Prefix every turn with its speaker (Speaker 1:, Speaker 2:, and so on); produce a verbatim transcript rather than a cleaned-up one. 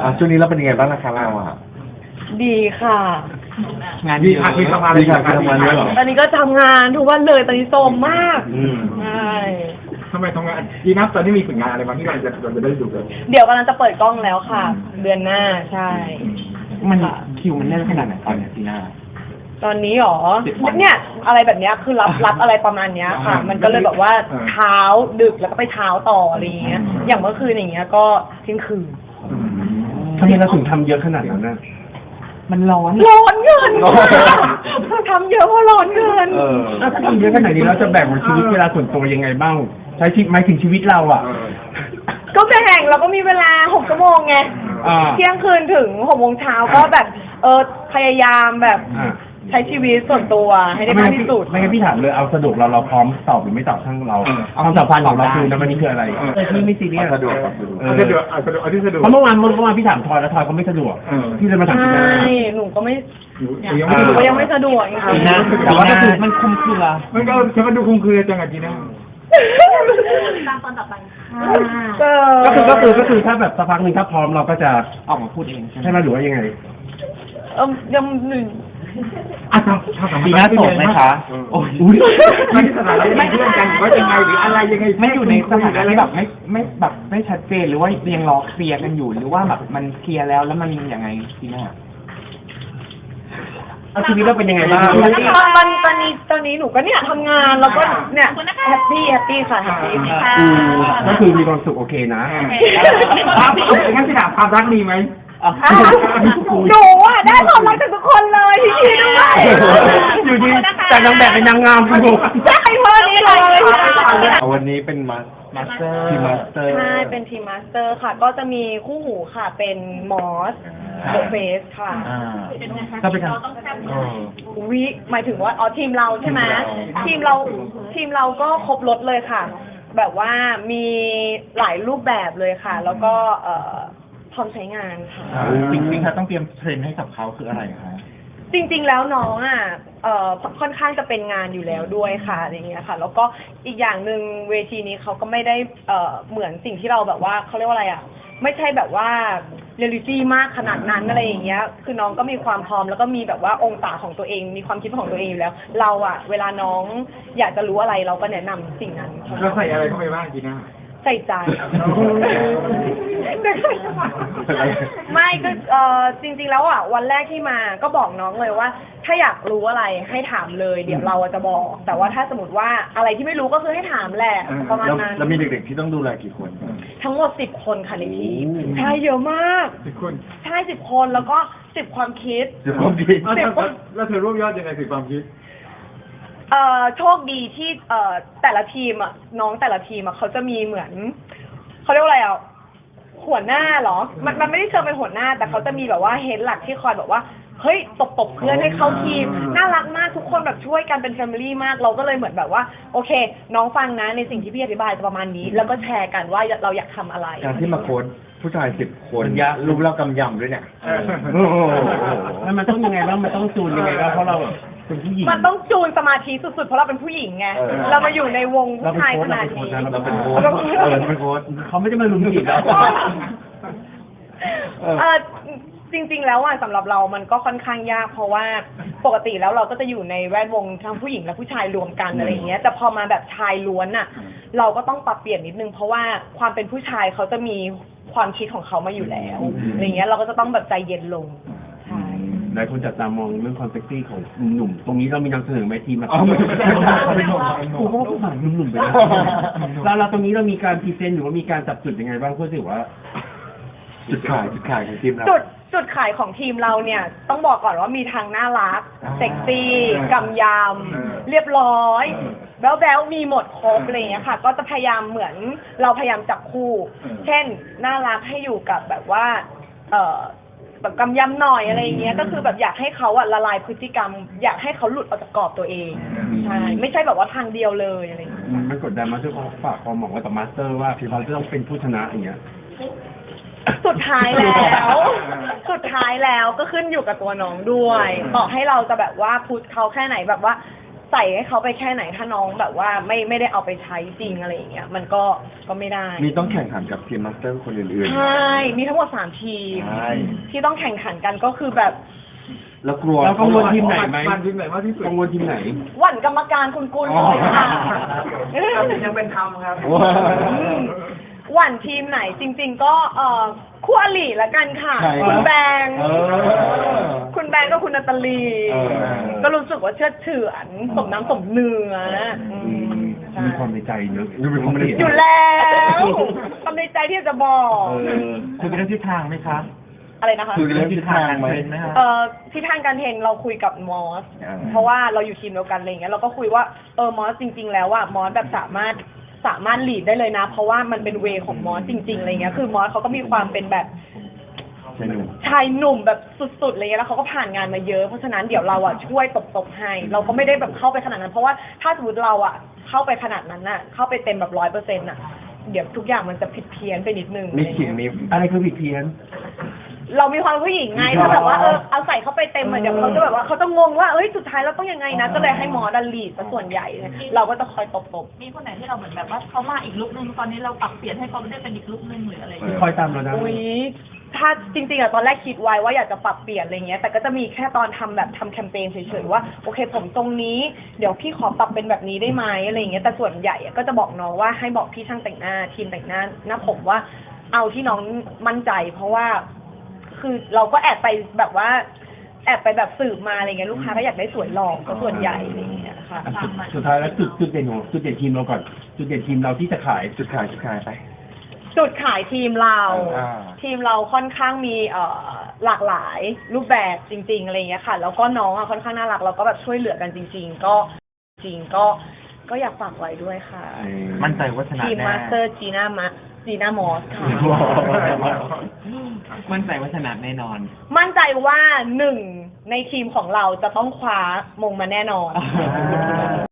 Speaker 1: อ่ะช่วงนี้เราเป็นยังไงบ้างนะคะเราอ่ะ
Speaker 2: ดีค่ะ
Speaker 3: งานดีค่ะมีทำงาน
Speaker 1: ดีค่ะทำงานด้วยเหรอ
Speaker 2: ตอนนี้ก็ทำงานทุกวันเลยตอนนี้โซมมากใช่
Speaker 3: ทำไมทำงานดีนับตอนนี้มีผลงานอะไรบ้างที่เราจะเราจะได้ดูกัน
Speaker 2: เดี๋ยวกำลังจะเปิดกล้องแล้วค่ะ เดือนหน้าใช่
Speaker 3: มันคิวมันแน่นขนาดไหนตอนนี้ทีหน้า
Speaker 2: ตอนนี้หรอเนี่ยอะไรแบบเนี้ยคือรับรับอะไรประมาณเนี้ยค่ะ มันก็เลยแบบว่าเช้าดึกแล้วก็ไปเช้าต่ออะไรอย่างเงี้ยอย่างเมื่อคืนอย่างเงี้ยก็เที่ยงคืน
Speaker 1: ทำไมเราถึงทำเยอะขนาดนั้นนะ
Speaker 2: มันร้อนร้อนเงินทำเยอะเพราะร้อนเงิน
Speaker 1: เออถ้าทำเยอะขนาดนี้เราจะแบ่งชีวิตเวลาส่วนตัวยังไงบ้างใช้ชีวิตหมายถึงชีวิตเราอ่ะ
Speaker 2: ก็แบ่งเราก็มีเวลาหกชั่วโมงไงเที่ยงคืนถึงหกโมงเช้าก็แบบเออพยายามแบบใช้ชีวิตส่วนตัวให้ได้มากที่สุด
Speaker 1: ไม่งั้นพี่ถามเลยเอาสะดวกเราเราพร้อมตอบหรือไม่ตอบทั้งเราความสัมพันธ์ของเราคือในวันนี้คืออะไรพี่ไม่ซีเรียส
Speaker 3: สะดวกสะดวกสะดวกเอาที่สะดวก
Speaker 1: เพราะเมื่อวานเมื่อวานพี่ถามทอยแล้วทอยก็ไม่สะดวกพี่เลยมาถามพี่นะ
Speaker 2: ใช่หนูก็ไม่หนูก็ยังไม่สะดวกจริง
Speaker 1: นะแต่ว่าก็คือมันคุ้มเครือ
Speaker 3: มันก็จะมาดูคุ้มเครือจังอ่ะจีน่า
Speaker 2: ตามตอนต่อไป
Speaker 1: ก็คือก็คือก็คือถ้าแบบสักพักหนึ่งถ้าพร้อมเราก็จะออกมาพูดเองใช่ไหมหรือว่ายังไง
Speaker 2: เออยังหนึ่ง
Speaker 3: อ่ะทำทำสำ
Speaker 1: ดีน่าโสดไหมคะโอ้ย
Speaker 3: ไม่สถานะไม่เรื่องกันหรือว่ายังไงหรืออะไรยังไง
Speaker 4: ไม่อยู่ในสถานะที่แบบไม่ไม่แบบไม่ชัดเจนหรือว่ายังรอเคลียร์กันอยู่หรือว่าแบบมันเคลียร์แล้วแล้วมันยังไงทีน่า
Speaker 1: เอาชีวิตเราเป็นยังไงบ้าง
Speaker 2: ตอนตอนนี้ตอนนี้หนูก็เนี่ยทำงานแล้วก็เนี่ยแฮปปี้แฮปปี้ค่ะแฮปปี้ค่ะ
Speaker 1: ก็คือมีความสุขโอเคนะ
Speaker 3: งั้นจะถามความรักดีไหม
Speaker 2: หนูอ่ะได้ความรักจากทุกคนเลยที่คิดด้วย
Speaker 1: อยู่ดีจากนางแบบเป็นนางงามคุณบุ๋ม
Speaker 2: ใช่เพื่อนนี้เลย
Speaker 1: วันนี้เป็นมาสเตอร์ทีมมาสเตอร์
Speaker 2: ใช่เป็นทีมมาสเตอร์ค่ะก็จะมีคู่หูค่ะเป็นมอสเดอะเฟสค่ะ
Speaker 1: ก็เป็นการ
Speaker 2: วิหมายถึงว่าอ๋อทีมเราใช่ไหมทีมเราทีมเราก็ครบรถเลยค่ะแบบว่ามีหลายรูปแบบเลยค่ะแล้วก็เอ่อพร้อมใช้งานค่ะ
Speaker 1: จริงๆค่ะต้องเตรียมเทรนให้กับเขาคืออะไรคะ
Speaker 2: จริงๆแล้วน้องอ่ะเอ่อค่อนข้างจะเป็นงานอยู่แล้วด้วยค่ะอะไรเงี้ยค่ะแล้วก็อีกอย่างหนึ่งเวทีนี้เขาก็ไม่ได้เอ่อเหมือนสิ่งที่เราแบบว่าเขาเรียกว่าอะไรอ่ะไม่ใช่แบบว่าเรียลลิตี้มากขนาดนั้นอะไรอย่างเงี้ยคือน้องก็มีความพร้อมแล้วก็มีแบบว่าองศาของตัวเองมีความคิดของตัวเองอยู่แล้วเราอ่ะเวลาน้องอยากจะรู้อะไรเราก็แนะนำสิ่งนั้น
Speaker 3: เราใส่อะไรเข้าไปบ้างจีน่า
Speaker 2: ใส่ใจไม่ก็เออจริงๆแล้วอ่ะวันแรกที่มาก็บอกน้องเลยว่าถ้าอยากรู้อะไรให้ถามเลยเดี๋ยวเราจะบอกแต่ว่าถ้าสมมติว่าอะไรที่ไม่รู้ก็คือให้ถามแหละประมาณนั้น
Speaker 1: แล้วมีเด็กๆที่ต้องดูแลกี่คน
Speaker 2: ทั้งหมดสิบคนค่ะในทีมใช่เยอะมาก
Speaker 3: สิบคน
Speaker 2: ใช่สิบคนแล้วก็สิบความคิด
Speaker 1: สิบความคิด
Speaker 3: แล้วเธอรวบยอดยังไงสิบความคิด
Speaker 2: เอ่อโชคดีที่เอ่อแต่ละทีมอ่ะน้องแต่ละทีมอ่ะเขาจะมีเหมือนเขาเรียกว่าอะไรอ่ะหัวหน้าเหรอมันมันไม่ได้เชิงเป็นหัวหน้าแต่เขาจะมีแบบว่าเฮดหลักที่คอยแบบว่าเฮ้ยตบตบเพื่อนให้เข้าทีมน่ารักมากทุกคนแบบช่วยกันเป็นแฟมิลี่มากเราก็เลยเหมือนแบบว่าโอเคน้องฟังนะในสิ่งที่พี่อธิบายจะประมาณนี้แล้วก็แชร์กันว่าเราอยากทำอะไร
Speaker 1: การที่มาโค้ชผู้ชายสิบคนรูปเรากำยำด้วยเนี่ยแล้วมันต้องยังไงบ้างมันต้องจูนยังไงบ้างเพราะเราเป็นผู้หญิง
Speaker 2: มันต้องจูนสมาธิสุดๆเพราะเราเป็นผู้หญิงไงเรามาอยู่ในวงผู้ชายขนาดนี้
Speaker 1: เราเป็นโค้ชเออเป็นโค้ชเขาไม่ได้มาลุมจีบเรา
Speaker 2: เออจริงๆแล้วอ่ะสำหรับเรามันก็ค่อนข้างยากเพราะว่าปกติแล้วเราก็จะอยู่ในแวดวงทั้งผู้หญิงและผู้ชายรวมกันอะไรอย่างเงี้ยแต่พอมาแบบชายล้วนอ่ะเราก็ต้องปรับเปลี่ยนนิดนึงเพราะว่าความเป็นผู้ชายเขาจะมีความคิดของเขามาอยู่แล้วอะไรเงี้ยเราก็จะต้องแบบใจเย็นลง
Speaker 1: หลายคนจับตามองเรื่องความเซ็กซี่ของหนุ่มตรงนี้เรามีนำเสนอไหมทีมมาเขาเป็นหนุ่มผมว่าผู้ชายหนุ่มไปแล้วเราตรงนี้เรามีการพรีเซนต์หรือว่ามีการจับจุดยังไงบ้างเพื่อที่ว่าจุดขายจุดขายของทีมเรา
Speaker 2: จุดจุดขายของทีมเราเนี่ยต้องบอกก่อนว่ามีทางน่ารักเซ็กซี่กำยำเรียบร้อยแบ๊วๆมีหมดครบอะไรอย่างเงี้ยค่ะก็จะพยายามเหมือนเราพยายามจับคู่เช่นน่ารักให้อยู่กับแบบว่าเอ่อแบบกำยำหน่อยอะไรอย่างเงี้ยก็คือแบบอยากให้เขาอะละลายพฤติกรรมอยากให้เขาหลุดออกจากกรอบตัวเองใช่ไม่ใช่แบบว่าทางเดียวเลยอะไรอย่างเงี้ย
Speaker 1: มันกดดันมาที่เขาฝากความหวังไว้กับมาสเตอร์ว่าพี่เขาจะต้องเป็นผู้ชนะอย่างเงี้ย
Speaker 2: สุดท้ายแล้วสุดท้ายแล้วก็ขึ้นอยู่กับตัวน้องด้วยต่อให้เราจะแบบว่าพุชเขาแค่ไหนแบบว่าใส่ให้เขาไปแค่ไหนถ้าน้องแบบว่าไม่ไม่ได้เอาไปใช้จริงอะไรอย่างเงี้ยมันก็ก็ไม่ได้
Speaker 5: มีต้องแข่งขันกับทีมมาสเตอร์คนอื่น
Speaker 2: ใช่มีทั้งหมดสามทีม
Speaker 5: ใช่
Speaker 2: ที่ต้องแข่งขันกันก็คือแบบ
Speaker 5: ๆ แล้วกลัว
Speaker 1: เรากังวลทีมไหนไหม
Speaker 3: มันทีมไหนมากที่สุด
Speaker 1: กังวลทีมไหน
Speaker 2: หวั่นกรรมการคุณกุลเลยค่ะ
Speaker 3: ยังเป็นธรรมครับ
Speaker 5: ว้าว
Speaker 2: อืมหวั่นทีมไหนจริง ๆ ก็เอ่อคู่อริละกันค่ะ
Speaker 5: ใช่
Speaker 2: คุณแบงค์
Speaker 5: เออ
Speaker 2: คุณแบงค์กับคุณนาตาลี
Speaker 5: เออ
Speaker 2: ก็รู้สึกว่าเชื่อเฉือนสมน้ำสมเนื้ออืมใช่
Speaker 1: มีความในใจเนอะ
Speaker 5: มีความในใจ
Speaker 2: อยู่แล้วทำในใจที่จะบอก
Speaker 1: เออ
Speaker 4: คุยกันเรื่องทิศทางไหมคะ
Speaker 2: อะไรนะคะ
Speaker 5: คุยกันเรื่องทิศทางไหม
Speaker 4: ไหมคะ
Speaker 2: เอ่อที่ทางการเทรนเราคุยกับมอส
Speaker 5: อ่า
Speaker 2: เพราะว่าเราอยู่ทีมเดียวกันอะไรเงี้ยเราก็คุยว่าเออมอสจริง ๆ แล้วว่ามอสแบบสามารถสามารถลีดได้เลยนะ เพราะว่ามันเป็นเวของมอสจริงๆอะไรเงี้ยคือมอสเขาก็มีความเป็นแบบ
Speaker 5: ใช่หนุ่ม
Speaker 2: ชายหนุ่มแบบสุดๆอะไรเงี้ยแล้วเขาก็ผ่านงานมาเยอะเพราะฉะนั้นเดี๋ยวเราอ่ะช่วยตบๆให้ เราก็ไม่ได้แบบเข้าไปขนาดนั้น เพราะว่าถ้าสมมติเราอ่ะเข้าไปขนาดนั้นน่ะเข้าไปเต็มแบบร้อยเปอร์เซ็นต์่ะเดี๋ยวทุกอย่างมันจะผิดเพี้ยนไปนิดนึง
Speaker 5: มีขิงมี
Speaker 1: อะไรคือผิดเพี้ยน
Speaker 2: เรามีความผู้หญิงไงถ้าแบบว่าเออเอาใส่เข้าไปเต็มเหมือนเดี๋ยวเขาจะแบบว่าเขาจะงงว่าเอ้ยสุดท้ายเราต้องยังไงนะก็เลยให้หมอดันลีดซะส่วนใหญ่เนี่ยเราก็จะคอยตบๆ
Speaker 6: มีคนไหนที่เราเหมือนแบบว่าเขามาอีกลุกนึงตอนนี้เราปรับเปลี่ยนให้เขาได้เป็นอีกลุกนึงหรืออะไรอย่างเงี้ย
Speaker 1: คอยตามเราได้
Speaker 2: อุ้ยถ้าจริงๆอะตอนแรกคิดไว้ว่าอยากจะปรับเปลี่ยนอะไรเงี้ย แต่ก็จะมีแค่ตอนทำแบบทำแคมเปญเฉยๆว่าโอเคผมตรงนี้เดี๋ยวพี่ขอปรับเป็นแบบนี้ได้ไหมอะไรเงี้ย แต่ส่วนใหญ่อะก็จะบอกน้องว่าให้บอกพี่ช่างแต่งหน้าทีมแต่งหน้าหน้าผมว่าเอาที่น้องมั่นใจ เพราะว่าคือเราก็แอบไปแบบว่าแอบไปแบบสืบมาอะไรเงี้ยลูกค้าก็อยากได้สวยหล่อก็ส่วนใหญ่อะไรเงี้ยค่ะ
Speaker 1: อ่ะสุดสุดท้ายแล้วจุดจุดเด่นของจุดเด่นทีมเราก่อน จุดเด่นทีมเราที่จะขาย
Speaker 5: จุดขายจุดขายไป
Speaker 2: จุดขายทีมเรา
Speaker 5: อ่า
Speaker 2: ทีมเราค่อนข้างมีเอ่อหลากหลายรูปแบบจริงๆอะไรอย่างเงี้ยค่ะ แล้วก็น้องอ่ะค่อนข้างน่ารักเราก็แบบช่วยเหลือกันจริง ๆ ก็จริงก็ก็อยากฝากไว้ด้วยค่ะ
Speaker 4: มั่นใจว่าชนะ
Speaker 2: ทีม
Speaker 4: แน่
Speaker 2: มาสเตอร์จีน่ามาจีน่ามอสค่ะ
Speaker 4: มั่นใจว่าชนะแน่นอน
Speaker 2: มั่นใจว่าหนึ่งในทีมของเราจะต้องคว้ามงมาแน่นอน